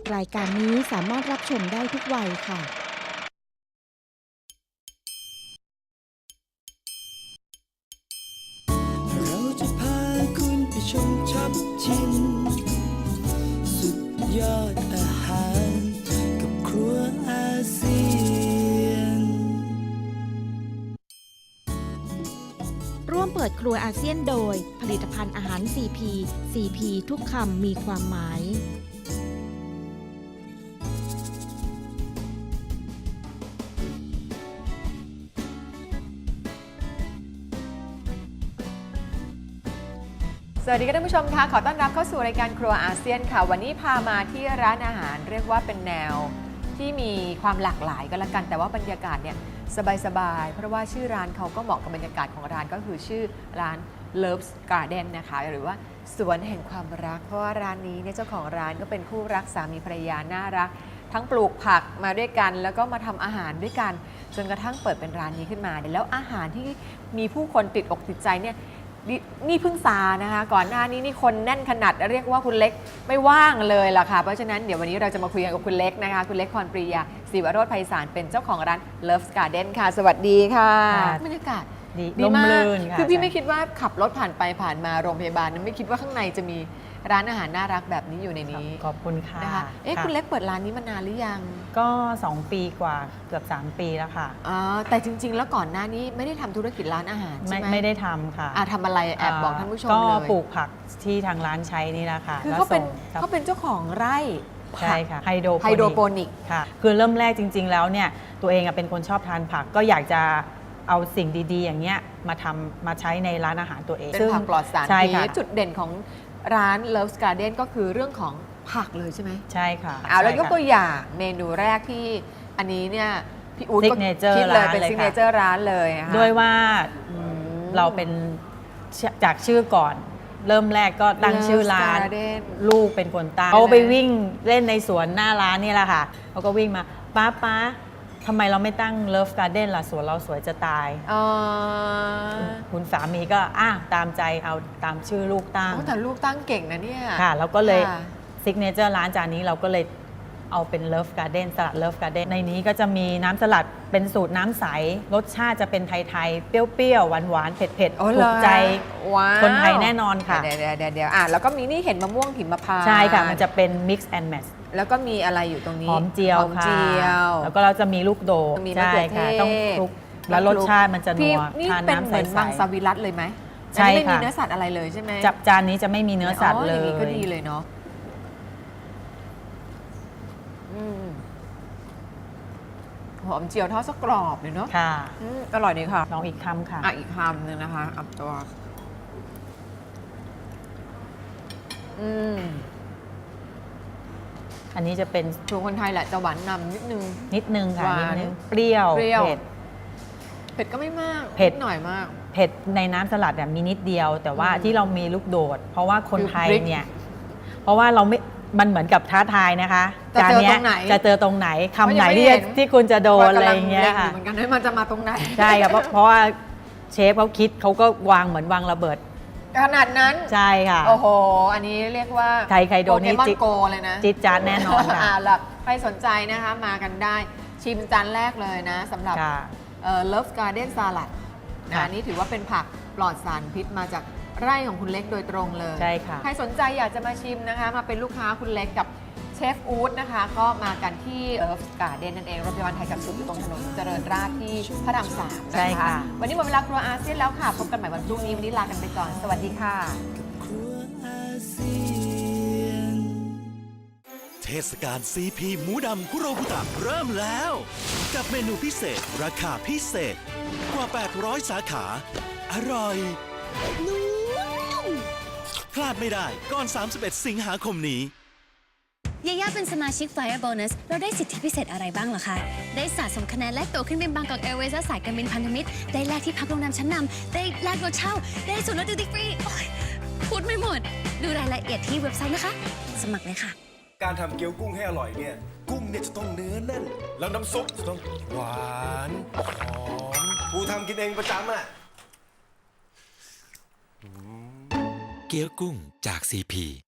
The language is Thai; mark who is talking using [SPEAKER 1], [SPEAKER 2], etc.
[SPEAKER 1] รายการนี้สามารถรับชมได้ทุกวัยค่ะ
[SPEAKER 2] เราจะพาคุณไปชมช็อปชิมสุดยอดอาหารกับครัวอาเซียน
[SPEAKER 1] ร่วมเปิดครัวอาเซียนโดยผลิตภัณฑ์อาหาร CP CP ทุกคำมีความหมาย
[SPEAKER 3] สวัสดีค่ะท่านผู้ชมค่ะขอต้อนรับเข้าสู่รายการครัวอาเซียนค่ะวันนี้พามาที่ร้านอาหารเรียกว่าเป็นแนวที่มีความหลากหลายก็แล้วกันแต่ว่าบรรยากาศเนี่ยสบายๆเพราะว่าชื่อร้านเขาก็เหมาะกับบรรยากาศของร้านก็คือชื่อร้าน Love's Garden นะคะหรือว่าสวนแห่งความรักเพราะว่าร้านนี้เนี่ยเจ้าของร้านก็เป็นคู่รักสามีภรรยาน่ารักทั้งปลูกผักมาด้วยกันแล้วก็มาทำอาหารด้วยกันจนกระทั่งเปิดเป็นร้านนี้ขึ้นมาแล้วอาหารที่มีผู้คนติดอกติดใจเนี่ยนี่เพิ่งซานะคะก่อนหน้านี้นี่คนแน่นขนาดเรียกว่าคุณเล็กไม่ว่างเลยล่ะค่ะเพราะฉะนั้นเดี๋ยววันนี้เราจะมาคุยกันกับคุณเล็กนะคะคุณเล็กพรปรียาศิวโรจน์ไพศาลเป็นเจ้าของร้าน Love's Garden ค่ะสวัสดีค่ะบรรยากาศดีมากคือพี่ไม่คิดว่าขับรถผ่านไปผ่านมาโรงพยาบาลไม่คิดว่าข้างในจะมีร้านอาหารน่ารักแบบนี้อยู่ในนี้
[SPEAKER 4] ขอบคุณค่ะ
[SPEAKER 3] นะคะคุณเล็กเปิดร้านนี้มานานหรือยัง
[SPEAKER 4] ก็ 2 ปีกว่าเกือบ 3 ปีแล้วค่ะ
[SPEAKER 3] แต่จริงๆแล้วก่อนหน้านี้ไม่ได้ทำธุรกิจร้านอาหารใช่ไหม
[SPEAKER 4] ไม่ได้ทำค่ะ
[SPEAKER 3] ทำอะไรแอบบอกท่านผู้ชมเลย
[SPEAKER 4] ก็ปลูกผักที่ทางร้านใช้นี่แหละค่ะ
[SPEAKER 3] คือเขาเป็นเจ้าของไร่
[SPEAKER 4] ใช่ค่ะไฮโดร
[SPEAKER 3] โปนิก
[SPEAKER 4] ค่ะคือเริ่มแรกจริงๆแล้วเนี่ยตัวเองเป็นคนชอบทานผักก็อยากจะเอาสิ่งดีๆอย่างเงี้ยมาใช้ในร้านอาหารตัวเอง
[SPEAKER 3] เป็นผักปลอดสารพิษจุดเด่นของร้าน Love's Garden ก็คือเรื่องของผักเลยใช่ไหม
[SPEAKER 4] ใช่ค่ะ
[SPEAKER 3] แล้วยกตัวอย่างเมนูแรกที่อันนี้เนี่ยพี่อู๊ดก็คิดเลยเป็นซิกเนเจอร์ร้านเลย
[SPEAKER 4] ด้วยว่าเราเป็นจากชื่อก่อนเริ่มแรกก็ตั้งชื่อร้านลูกเป็นคนตั้งเขาไปวิ่งเล่นในสวนหน้าร้านนี่แหละค่ะเขาก็วิ่งมาป้าทำไมเราไม่ตั้ง Love Garden ล่ะสวนเราสวยจะตายคุณสามีก็ตามใจเอาตามชื่อลูกตั้ง
[SPEAKER 3] แต่ลูกตั้งเก่งนะเนี่ย
[SPEAKER 4] ค่ะแล้วก็เลยซิกเนเจอร์ร้านจานนี้เราก็เลยเอาเป็น Love Garden สลัด Love Garden ในนี้ก็จะมีน้ำสลัดเป็นสูตรน้ำใสรสชาติจะเป็นไทยๆเปรี้ยวๆหวานๆเผ็ดๆถูกใจคนไทยแน่นอนค่ะ
[SPEAKER 3] เดี๋ยวแล้วก็มีนี่เห็นมะม่วงหิมพานต์
[SPEAKER 4] ใช่ค่ะมันจะเป็น mix and match
[SPEAKER 3] แล้วก็มีอะไรอยู่ตรงนี้
[SPEAKER 4] หอมเจียวค่ะแล้วก็เราจะมีลูกโดด
[SPEAKER 3] ใช่ค่ะ
[SPEAKER 4] ต้องคลุกแล้วรสชาติมันจะนัว
[SPEAKER 3] ทานน้ำใสๆมังสวิรัตเลยไหม
[SPEAKER 4] ใช่ค่ะ
[SPEAKER 3] ไม่มีเนื้อสัตว์อะไรเลยใช่ไหม
[SPEAKER 4] จานนี้จะไม่มีเนื้อสัตว์เลย
[SPEAKER 3] อย่างนี้ก็ดีเลยเนาะหอมเจียวทอดสักกรอบเลยเนาะ
[SPEAKER 4] ค่ะ
[SPEAKER 3] อร่อยดีค่ะ
[SPEAKER 4] ลองอีกคำค่ะ
[SPEAKER 3] อีกคำหนึ่งนะคะอับตัว
[SPEAKER 4] อันนี้จะเป็น
[SPEAKER 3] ตัวคนไทยแหละจะหวานนำนิดนึง
[SPEAKER 4] ค่ะนิดนึงเปรี้ยว
[SPEAKER 3] เผ็ดก็ไม่มาก
[SPEAKER 4] เผ็ด
[SPEAKER 3] หน่อยมาก
[SPEAKER 4] เผ็ดในน้ำสลัดมีนิดเดียวแต่ว่าที่เรามีลูกโดดเพราะว่าคนไทยเนี่ยเพราะว่าเราไม่มันเหมือนกับท้าทายนะคะ
[SPEAKER 3] จานนี้
[SPEAKER 4] จะเจอตรงไหนคำไหนที่คุณจะโดนอะไรอย่างเงี้ยค่ะ
[SPEAKER 3] เหมือนกันว่ามันจะมาตรงไหน
[SPEAKER 4] ใช่ค่ะเพราะว่าเชฟเขาคิดเขาก็วางเหมือนวางระเบิด
[SPEAKER 3] ขนาดนั้น
[SPEAKER 4] ใช่ค่ะ
[SPEAKER 3] โอ้โหอันนี้เรียกว่า
[SPEAKER 4] ใครโดนนี่
[SPEAKER 3] จิ๊กโกเลยนะ
[SPEAKER 4] จิ๊ดจ๊าดแน่นอนค่ะ
[SPEAKER 3] แล้วใครสนใจนะคะมากันได้ชิมจานแรกเลยนะสำหรับLove Garden Salad อันนี้ถือว่าเป็นผักปลอดสารพิษมาจากไร่ของคุณเล็กโดยตรงเลย
[SPEAKER 4] ใช่ค่ะ
[SPEAKER 3] ใครสนใจอยากจะมาชิมนะคะมาเป็นลูกค้าคุณเล็กกับเชฟอู๊ดนะคะก็มากันที่Love Garden นั่นเองโรงพยาบาลไทยกับสุขอยู่ตรงถนนเจริญราษฎร์ที่พระราม3นะคะวันนี้หมดเวลาครัวอาเซียนแล้วค่ะพบกันใหม่วันพรุ่งนี้วันนี้ลากันไปก่อนสวัสดีค่ะ
[SPEAKER 5] เทศกาล CP หมูดำคุโรบุตะเริ่มแล้ว กับเมนูพิเศษราคาพิเศษกว่า 800 สาขา อร่อยนุ่มพลาดไม่ได้ก่อน 31 สิงหาคมนี้
[SPEAKER 6] ยาย่าเป็นสมาชิก Flyer Bonus เราได้สิทธิพิเศษอะไรบ้างเหรอคะ ได้สะสมคะแนนแลกตั๋วขึ้นบินบางกอกแอร์เวย์และสายการบินพันธมิตร ได้แลกที่พักโรงแรมชั้นนำได้แลกรถเช่า ได้ส่วนลดดิวตี้ฟรีพูดไม่หมด ดูรายละเอียดที่เว็บไซต์นะคะ สมัครเลยค่ะ
[SPEAKER 7] การทำเกี๊ยวกุ้งให้อร่อยเนี่ยกุ้งเนี่ยจะต้องเนื้อแน่นแล้วน้ำซุปจะต้องหวานหอมกูทำกินเองประจำอ่ะ
[SPEAKER 5] เกี๊ยวกุ้งจาก CP